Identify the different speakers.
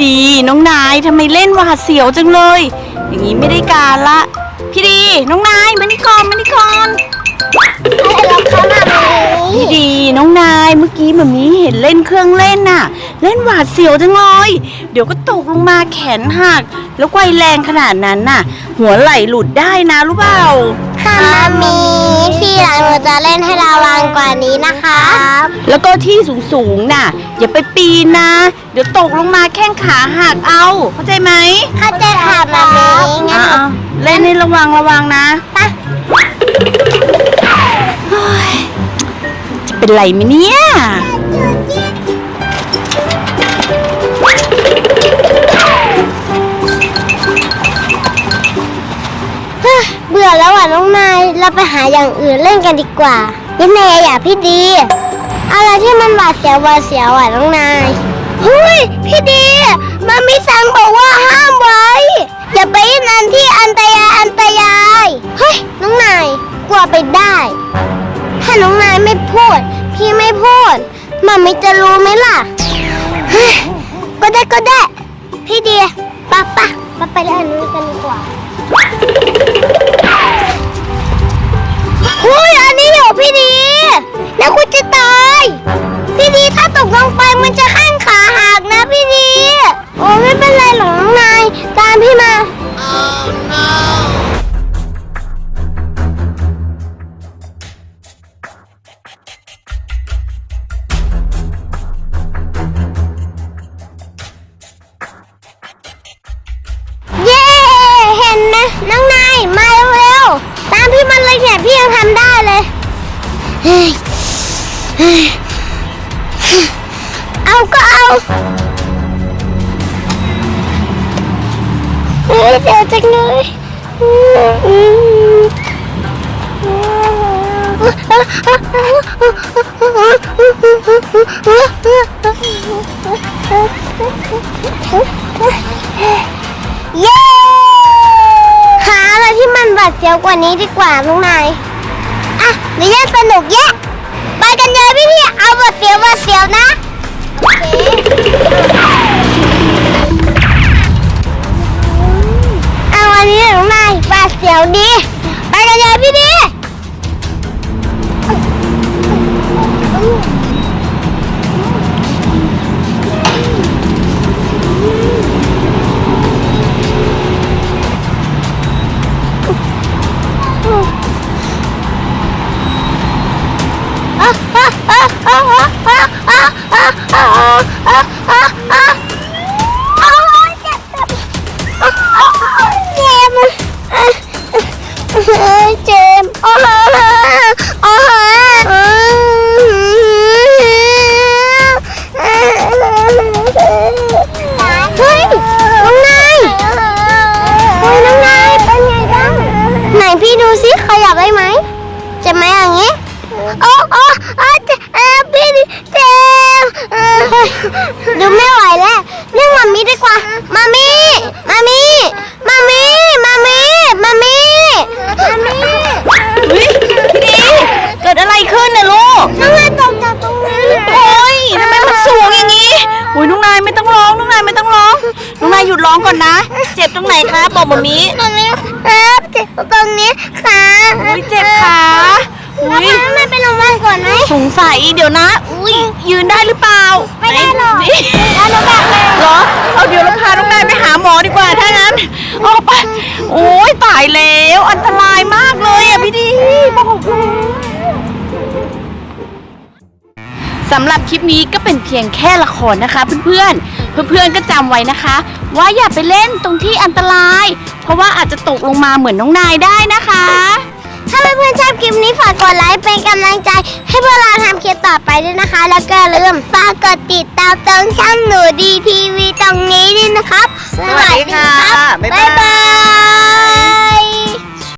Speaker 1: ดีน้องนายทำไมเล่นหวาดเสียวจังเลยอย่างนี้ไม่ได้การละพี่ดีน้องนายมานี่ก่อน
Speaker 2: อะไรหรอคะ
Speaker 1: พี่ดีน้องนายเมื่อกี้แบบนี้เห็นเล่นเครื่องเล่นน่ะเล่นหวาดเสียวจังเลยเดี๋ยวก็ตกลงมาแขนหักแล้วไกวแรงขนาดนั้นน่ะหัวไหล่หลุดได้นะรู้เปล่า
Speaker 2: ค่ะมามีที่หลังหนูจะเล่นให้ระวังกว่านี้นะคะ
Speaker 1: แล้วก็ที่สูงน่ะอย่าไปปีนนะเดี๋ยวตกลงมาแข้งขาหักเอาเข้าใจไหม
Speaker 2: เข้าใจค่ะมามีงั้น
Speaker 1: เล่นให้ระวังนะ
Speaker 2: ไป
Speaker 1: จะเป็นไรไหมเนี่ย
Speaker 2: เบื่อแล้วอ่ะน้องนายเราไปหาอย่างอื่นเล่นกันดีกว่ายังไงอย่าพี่ดีอะไรที่มันหวาดเสียวอ่ะน้องนายเฮ้ยพี่ดีมามีสั่งบอกว่าห้ามไว้อย่าไปนั่นที่อันตรายเฮ้ยน้องนายกลัวไปได้ถ้าน้องนายไม่พูดพี่ไม่พูดมามีจะรู้ไหมล่ะเฮ้ยก็ได้พี่ดีปะไปเล่นอันนี้กันดีกว่าเฮ้ยอันนี้อยู่พี่ดีแล้วคุณจะตายพี่ดีถ้าตกลงไปมันจะข้างขาหักนะพี่ดีโอ้ไม่เป็นไรหรอกน้องนายตามพี่มาเย้เห็นไหมน้องนายมาเร็วตามพี่มันเลยเนี่ยพี่ยังทำได้เลยเอาก็เอาเดี๋ยวจังเลยเย้หาอะไรที่มันบาดเสียวกว่านี้ดีกว่าน้องนายอ่ะเดี๋ยวสนุกแยะไปกันเลยพี่เอาบาดเสียวนะโอเคเอาอันนี้น้องนายบาดเสียวดีไปกันเลยพี่ดีเจมโอ้โหเฮ้ยน้องนายเป็นไงบ้างไหนพี่ดูสิขยับได้ไหมเจ็บไหมอย่างงี้โอ้พี่เจ็บดูไม่ไหวแล้วเรียกมามีดีกว่ามามี
Speaker 1: เฮ้ยพี่ดีเกิดอะไรขึ้นน่ะลูก
Speaker 2: น้องนายตกจากตรงนี้
Speaker 1: โอ้ยทำไมมันสูงอย่างนี้โอ้ยน้องนายไม่ต้องร้องน้องนายหยุดร้องก่อนนะเจ็บตรงไหนคะบอกแบบนี้
Speaker 2: ตรงนี้ครับเจ็บตรงนี้ขา
Speaker 1: เจ็บขา
Speaker 2: ไม่ไปโรงพยาบาลก่อนไหม
Speaker 1: สงสัยเดี๋ยวนะยืนได้หรือเปล่า
Speaker 2: ไม่ได้หรอกแล้วน้องแบบเลย
Speaker 1: เหรอเอาเดี๋ยวเราพาน้องนายไปหาหมอดีกว่าถ้างั้นออกไปโอ้ยตายแล้วอันตรายมากเลยอ่ะพี่ดีบอกสำหรับคลิปนี้ก็เป็นเพียงแค่ละครนะคะเพื่อนๆก็จำไว้นะคะว่าอย่าไปเล่นตรงที่อันตรายเพราะว่าอาจจะตกลงมาเหมือนน้องนายได้นะคะ
Speaker 2: ถ้าเพื่อนๆชอบคลิปนี้ฝากกดไลค์เป็นกำลังใจให้พวกเราทำคลิปต่อไปด้วยนะคะแล้วก็อย่าลืมฝากกดติดตามช่องหนูดีทีวีตรงนี้ด้วยนะครับ
Speaker 1: สวัสดีค่ะ
Speaker 2: บ๊ายบาย